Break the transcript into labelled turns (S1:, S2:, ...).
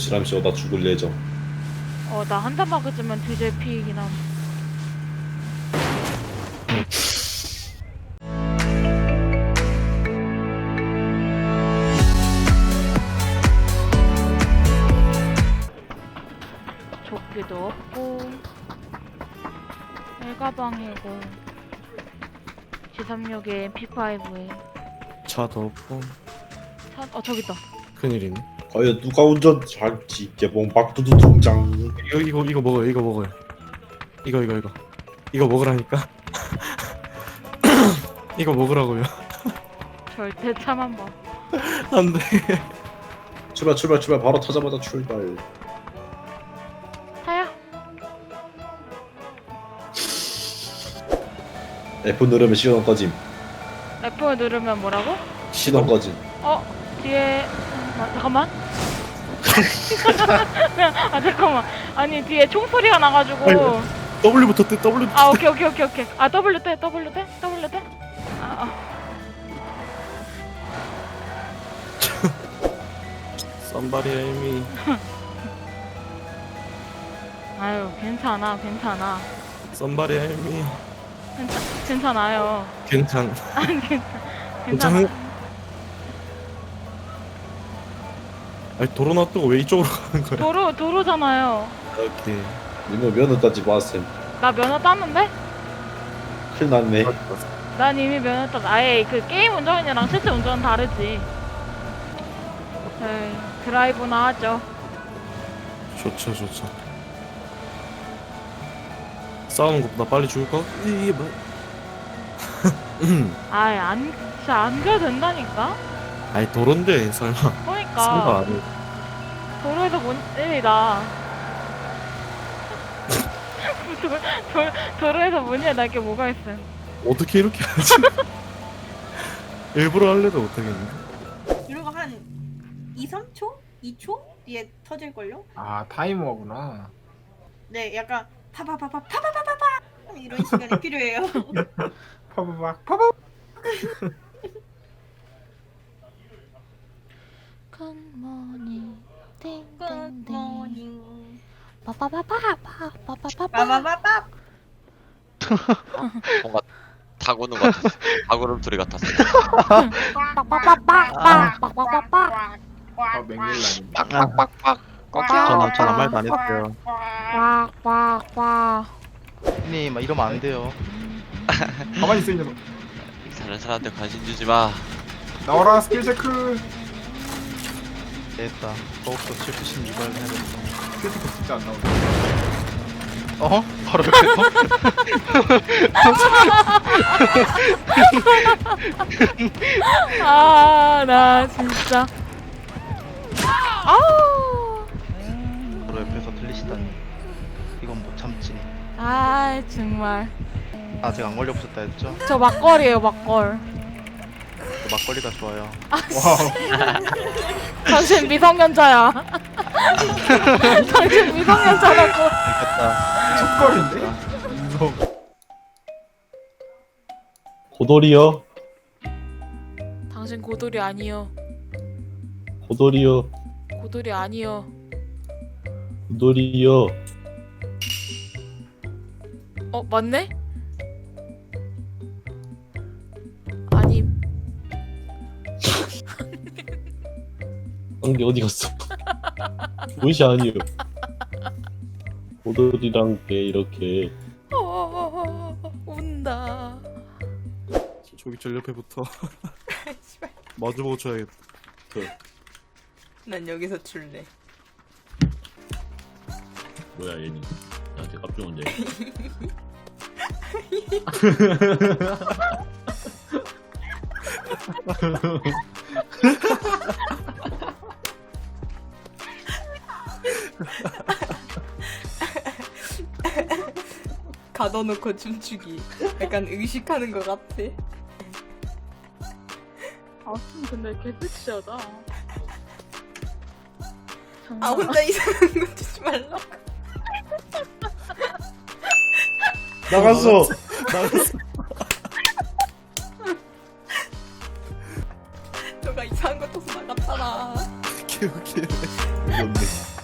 S1: 지람씨 나 죽을 예정.
S2: 나 한 대 맞으면 뒤질 피이긴 함. 조끼도 없고 일가방이고 G36에 MP5에
S3: 차도 없고
S2: 저기 있다.
S3: 큰일이네.
S1: 과연 누가 운전할지 개봉 박두두 통장.
S3: 이거 먹어요. 이거 먹어요. 이거 먹으라니까. 이거 먹으라고요.
S2: 절대 차만 봐.
S3: 안돼.
S1: 출발 바로 타자마자 출발.
S2: 타야.
S1: F 누르면 시동 꺼짐.
S2: F 누르면 뭐라고?
S1: 시동 꺼짐.
S2: 뒤에 잠깐만. 잠깐만. 아니 뒤에 총소리가 나가지고.
S3: W부터 떼. W.
S2: 오케이. W 떼.
S3: Somebody help me.
S2: 아유 괜찮아.
S3: Somebody help me.
S2: 괜찮아요.
S3: 괜찮.
S2: 괜찮아.
S3: 아니 도로 놔두고 왜 이쪽으로 가는 거야?
S2: 도로잖아요.
S3: 오케이.
S1: 이모 면허까지 봤음.
S2: 나 면허 땄는데?
S1: 큰일 났네.
S2: 난 이미 면허 땄. 아예 그 게임 운전이랑 실제 운전은 다르지. 에이, 드라이브나 하죠.
S3: 좋죠. 싸우는 것보다 빨리 죽을 거? 이게 뭐?
S2: 아예 진짜 안 가도 된다니까?
S3: 아니 도로인데 설마. 생각
S2: 그러니까
S3: 안 해.
S2: 도로에서 뭔 일이다. 도로에서 뭔 일 날게 뭐가 있어.
S3: 어떻게 이렇게 하지? 일부러 할래도 못하겠는데.
S4: 이러고 한 2, 3초? 2초? 뒤에 터질걸요?
S5: 아 타이머구나.
S4: 네, 약간 파파파파파파파파 이런 시간이 필요해요.
S5: 파바박 파바.
S2: 굿모닝
S4: 굿모닝.
S2: 빠빠빠빠빠빠빠빠
S4: 빠바바밥.
S6: 뭔가 타고는 것 같았어. 타구름소리 같았어.
S5: 아 맹렬라니.
S6: 빡빡빡빡.
S7: 전 아무 말도 안 했어요.
S2: 꽉꽉꽉
S7: 형님 막 이러면 안 돼요.
S5: 가만히 있어 이 녀석.
S6: 다른 사람한테 관심 주지 마.
S5: 나와라 스킬 체크.
S7: 됐다. 더욱더 796을 해야 돼.
S5: 스킬 체크 진짜 안 나오네.
S7: 어? 바로 옆에서?
S2: 나 진짜 아우
S7: 바로 옆에서 들리시다니. 이건 못 참지.
S2: 정말
S7: 아직 안 걸려보셨다 했죠?
S2: 저 막걸이에요 막걸.
S7: 저 막걸리가 좋아요.
S5: 와우.
S2: 당신 미성년자야. 당신 미성년자라고.
S7: 됐다.
S5: 첫걸인데? 인성.
S1: 고돌이요.
S2: 당신 고돌이 아니요.
S1: 고돌이요.
S2: 고돌이 아니요.
S1: 고돌이요.
S2: 맞네? 아님.
S1: 안개 어디 갔어? 무시 아니요. 고돌이랑 개 이렇게.
S2: 운다.
S3: 저기 저 옆에 붙어. 마주보고 쳐야겠다.
S4: 난 여기서 출래.
S8: 뭐야 얘는 나한테 깝종인데.
S4: 가둬놓고 춤추기. 약간 의식하는 것 같아.
S2: 근데 개섹시하다.
S4: 혼자 이상한 거 주지 말라고.
S1: 나갔어.
S4: 너가 이상한 거 쳐서 나갔잖아.
S3: 개웃기네.
S1: 이겼네.